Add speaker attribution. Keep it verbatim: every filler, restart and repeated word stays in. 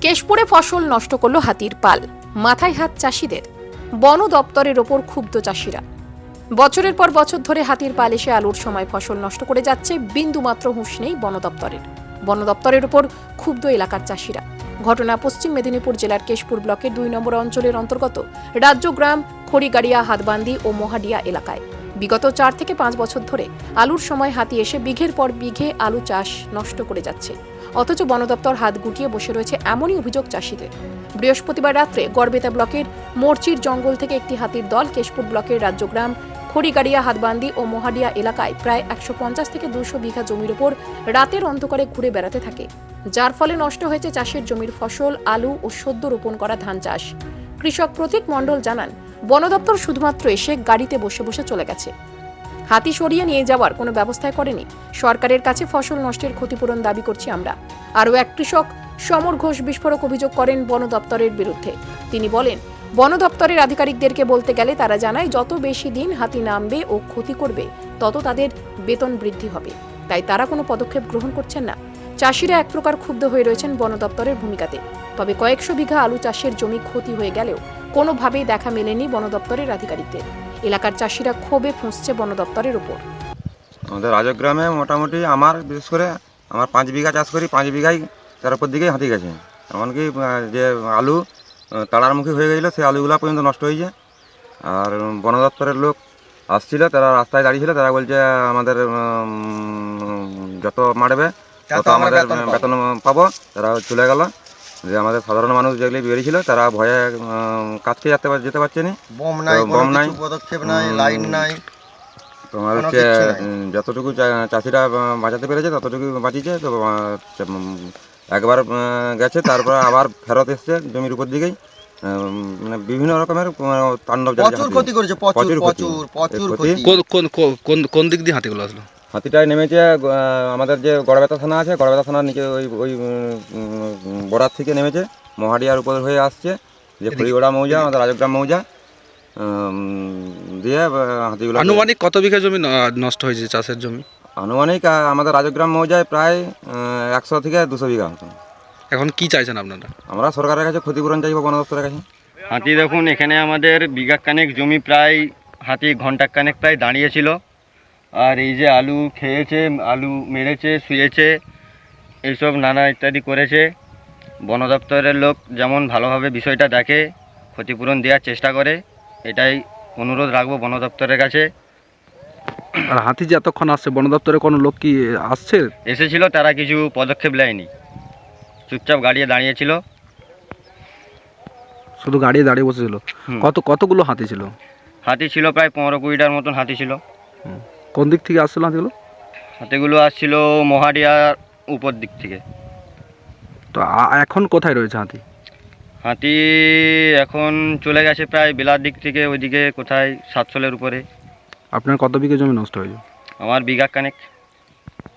Speaker 1: কেশপুরে ফসল নষ্ট করল হাতির পাল, মাথায় হাত চাষিদের। বন দপ্তরের ওপর ক্ষুব্ধ চাষিরা। বছরের পর বছর ধরে হাতির পাল এসে আলুর সময় ফসল নষ্ট করে যাচ্ছে, বিন্দুমাত্র হুঁশ নেই বন দপ্তরের। বন দপ্তরের ওপর ক্ষুব্ধ এলাকার চাষিরা। ঘটনা পশ্চিম মেদিনীপুর জেলার কেশপুর ব্লকের দুই নম্বর অঞ্চলের অন্তর্গত রাজ্যগ্রাম, খড়িগাড়িয়া, হাতবান্দি ও মহাডিয়া এলাকায়। বিগত চার থেকে পাঁচ বছর ধরে আলুর সময় হাতি এসে বিঘের পর বিঘে আলু চাষ নষ্ট করে যাচ্ছে, অথচ বন দপ্তর হাত গুটিয়ে বসে রয়েছে, এমনই অভিযোগ চাষিদের। বৃহস্পতিবার রাত্রে গড়বেতা ব্লকের মোরচির জঙ্গল থেকে একটি হাতির দল কেশপুর ব্লকের রাজ্যগ্রাম, খড়িগাড়িয়া, হাতবান্দি ও মহাডিয়া এলাকায় প্রায় একশো পঞ্চাশ থেকে দুশো বিঘা জমির উপর রাতের অন্ধকারে ঘুরে বেড়াতে থাকে, যার ফলে নষ্ট হয়েছে চাষের জমির ফসল, আলু ও সদ্য রোপণ করা ধান চাষ। কৃষক প্রতীক মণ্ডল জানান, বন দপ্তর শুধুমাত্র এসে গাড়িতে বসে বসে চলে গেছে, হাতি সরিয়ে নিয়ে যাওয়ার কোনো ব্যবস্থাই করেনি। সরকারের কাছে ফসল নষ্টের ক্ষতিপূরণ দাবি করছি আমরা। আরও এক কৃষক সমর ঘোষ বিস্ফোরক অভিযোগ করেন বন দপ্তরের বিরুদ্ধে। তিনি বলেন, বন দপ্তরের আধিকারিকদেরকে বলতে গেলে তারা জানায় যত বেশি দিন হাতি নামবে ও ক্ষতি করবে তত তাদের বেতন বৃদ্ধি হবে, তাই তারা কোনো পদক্ষেপ গ্রহণ করছেন না। চাষিরা এক প্রকার ক্ষুব্ধ হয়ে রয়েছেন বন দপ্তরের ভূমিকাতে। তবে কয়েকশো বিঘা আলু চাষের জমি ক্ষতি হয়ে গেলেও কোনোভাবেই দেখা মেলেনি বন দপ্তরের আধিকারিকদের। এলাকার চাষিরা ক্ষোভে ফুঁসছে বন দপ্তরের উপর।
Speaker 2: আমাদের রাজগ্রামে মোটামুটি আমার বিশেষ করে আমার পাঁচ বিঘা চাষ করি, পাঁচ বিঘাই তার উপর দিকেই হাতি গেছে। এমনকি যে আলু তাড়ার মুখী হয়ে গেছিলো সেই আলুগুলো পর্যন্ত নষ্ট হয়েছে। আর বন দপ্তরের লোক আসছিল, তারা রাস্তায় দাঁড়িয়েছিল, তারা বলছে আমাদের যত মারবে তত আমাদের বেতন পাবো। তারা চলে গেল। যে আমাদের সাধারণ মানুষ যেগুলি বেরিয়েছিল তারা ভয়ে কাজকে যেতে যেতে পারছে না।
Speaker 3: বম নাই,
Speaker 2: বম নাই,
Speaker 3: পদক্ষেপ নাই, লাইন নাই।
Speaker 2: তোমার হচ্ছে যতটুকু চাষিরা বাঁচাতে পেরেছে ততটুকু বাঁচিয়েছে। তো একবার গেছে, তারপর আবার ফেরত এসছে জমির উপর দিকেই। মানে বিভিন্ন রকমের তাণ্ডব,
Speaker 3: প্রচুর ক্ষতি করেছে, প্রচুর প্রচুর প্রচুর ক্ষতি।
Speaker 4: কোন কোন কোন দিক দিয়ে হাতিগুলো আসলো?
Speaker 2: হাতিটায় নেমেছে আমাদের যে গড়বেতা থানা আছে, গড়বেতা থানার নিচে ওই ওই বরাত থেকে নেমেছে, মহাডিয়ার উপর হয়ে আসছে, যে খড়িগড়া মৌজা, আমাদের রাজগ্রাম মৌজা দিয়ে হাতিগুলো।
Speaker 4: আনুমানিক কত বিঘা জমি নষ্ট হয়েছে চাষের জমি?
Speaker 2: আনুমানিক আমাদের রাজগ্রাম মৌজায় প্রায় একশো থেকে দুশো বিঘা মতো।
Speaker 4: এখন কি চাইছেন আপনারা?
Speaker 2: আমরা সরকারের কাছে ক্ষতিপূরণ চাইব, বন দপ্তরের কাছে।
Speaker 5: হাতি দেখুন, এখানে আমাদের বিঘা কানেক জমি প্রায় হাতি ঘন্টা কানেক প্রায় দাঁড়িয়েছিল। আর এই যে আলু খেয়েছে, আলু মেরেছে, শুয়েছে, এইসব নানা ইত্যাদি করেছে। বন দপ্তরের লোক যেমন ভালোভাবে বিষয়টা দেখে, ক্ষতিপূরণ দেওয়ার চেষ্টা করে, এটাই অনুরোধ রাখবো বন দপ্তরের কাছে।
Speaker 4: আর হাতি যে এতক্ষণ আসছে, বন দপ্তরে কোনো লোক কি আসছে?
Speaker 5: এসেছিল, তারা কিছু পদক্ষেপ নেয়নি, চুপচাপ গাড়িয়ে দাঁড়িয়েছিল।
Speaker 4: শুধু গাড়িয়ে দাঁড়িয়ে বসেছিল? কত কতগুলো হাতি ছিল?
Speaker 5: হাতি ছিল প্রায় পনেরো কুড়িটার মতন হাতি ছিল।
Speaker 4: কোন দিক থেকে আসছিল হাতিগুলো?
Speaker 5: হাতিগুলো আসছিল মহাডিয়ার উপর দিক থেকে।
Speaker 4: তো এখন কোথায় রয়েছে হাতি?
Speaker 5: হাতি এখন চলে গেছে প্রায় বেলার দিক থেকে, ওইদিকে কোথায় সাতশোলের উপরে।
Speaker 4: আপনার কত বিঘা জমি নষ্ট হয়েছে?
Speaker 5: আমার বিঘা কানেক।